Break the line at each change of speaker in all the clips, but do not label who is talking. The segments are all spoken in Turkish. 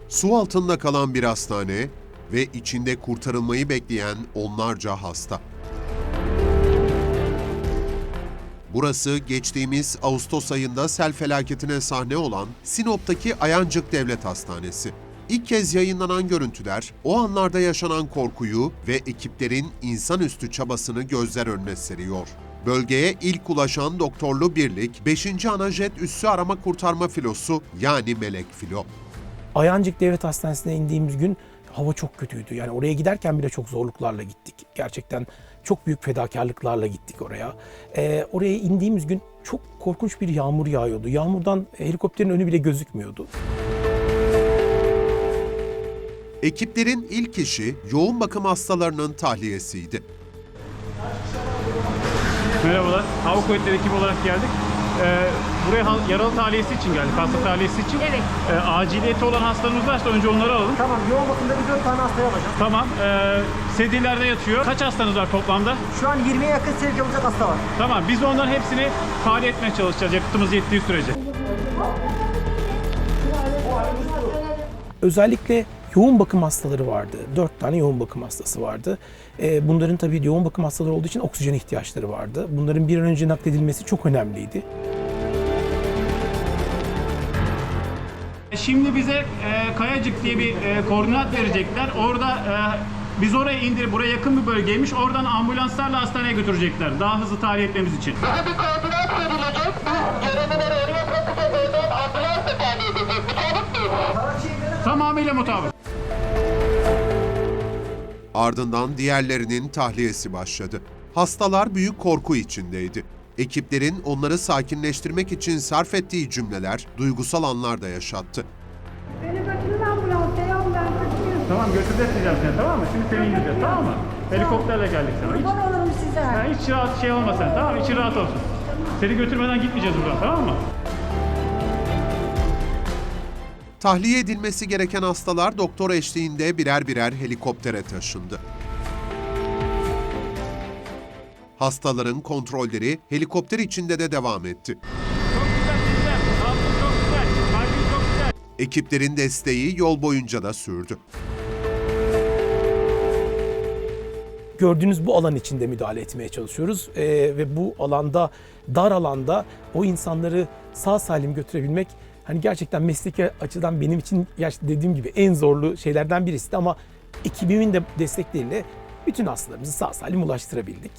Su altında kalan bir hastane ve içinde kurtarılmayı bekleyen onlarca hasta. Burası geçtiğimiz Ağustos ayında sel felaketine sahne olan Sinop'taki Ayancık Devlet Hastanesi. İlk kez yayınlanan görüntüler, o anlarda yaşanan korkuyu ve ekiplerin insanüstü çabasını gözler önüne seriyor. Bölgeye ilk ulaşan doktorlu birlik, 5. Anajet Üssü Arama Kurtarma Filosu yani Melek Filo.
Ayancık Devlet Hastanesi'ne indiğimiz gün hava çok kötüydü. Yani oraya giderken bile çok zorluklarla gittik. Gerçekten çok büyük fedakarlıklarla gittik oraya. Oraya indiğimiz gün çok korkunç bir yağmur yağıyordu. Yağmurdan helikopterin önü bile gözükmüyordu.
Ekiplerin ilk işi yoğun bakım hastalarının tahliyesiydi.
Merhabalar, Hava Kuvvetleri ekibi olarak geldik. Buraya yaralı tahliyesi için geldik, hasta tahliyesi için.
Evet.
Aciliyeti olan hastalarımız varsa önce onları alalım.
Tamam, yoğun bakımda bir 4 tane hastaya alacağız.
Tamam, sedilerde yatıyor. Kaç hastanız var toplamda?
Şu an 20'ye yakın sevk olacak hasta var.
Tamam, biz de onların hepsini tahliye etmeye çalışacağız yakıtımız yettiği sürece.
Özellikle yoğun bakım hastaları vardı. 4 tane yoğun bakım hastası vardı. Bunların tabii yoğun bakım hastaları olduğu için oksijen ihtiyaçları vardı. Bunların bir an önce nakledilmesi çok önemliydi.
Şimdi bize Kayacık diye bir koordinat verecekler. Orada biz oraya indirip, buraya yakın bir bölgeymiş. Oradan ambulanslarla hastaneye götürecekler. Daha hızlı tahliye etmemiz için.
Bize bir koordinat verilecek. Bu görevlileri oraya bırakacağız. Oradan ambulansla tahliye edeceğiz. Mutabık mıyız?
Tamamıyla mutabık.
Ardından diğerlerinin tahliyesi başladı. Hastalar büyük korku içindeydi. Ekiplerin onları sakinleştirmek için sarf ettiği cümleler duygusal anlar da yaşattı.
Beni götürün ambulansa ya, ben kaçıyorum.
Tamam, götüreceğiz seni, tamam mı? Şimdi seni indireceğiz, tamam mı? Helikopterle geldik sana.
Kurban olurum size.
Hiç rahat şey olma sen, tamam mı? İçin rahat olsun. Seni götürmeden gitmeyeceğiz buradan, tamam mı?
Tahliye edilmesi gereken hastalar doktor eşliğinde birer birer helikoptere taşındı. Hastaların kontrolleri helikopter içinde de devam etti.
Çok güzel. Sağlıklı çok güzel. Kalbin çok güzel.
Ekiplerin desteği yol boyunca da sürdü.
Gördüğünüz bu alan içinde müdahale etmeye çalışıyoruz. Ve bu alanda, dar alanda o insanları sağ salim götürebilmek hani gerçekten mesleki açıdan benim için dediğim gibi en zorlu şeylerden birisi ama ekibimin de destekleriyle bütün hastalarımızı sağ salim ulaştırabildik.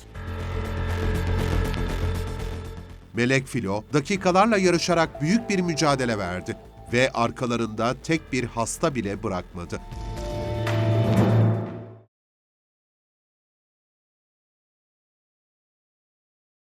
Melek Filo dakikalarla yarışarak büyük bir mücadele verdi ve arkalarında tek bir hasta bile bırakmadı.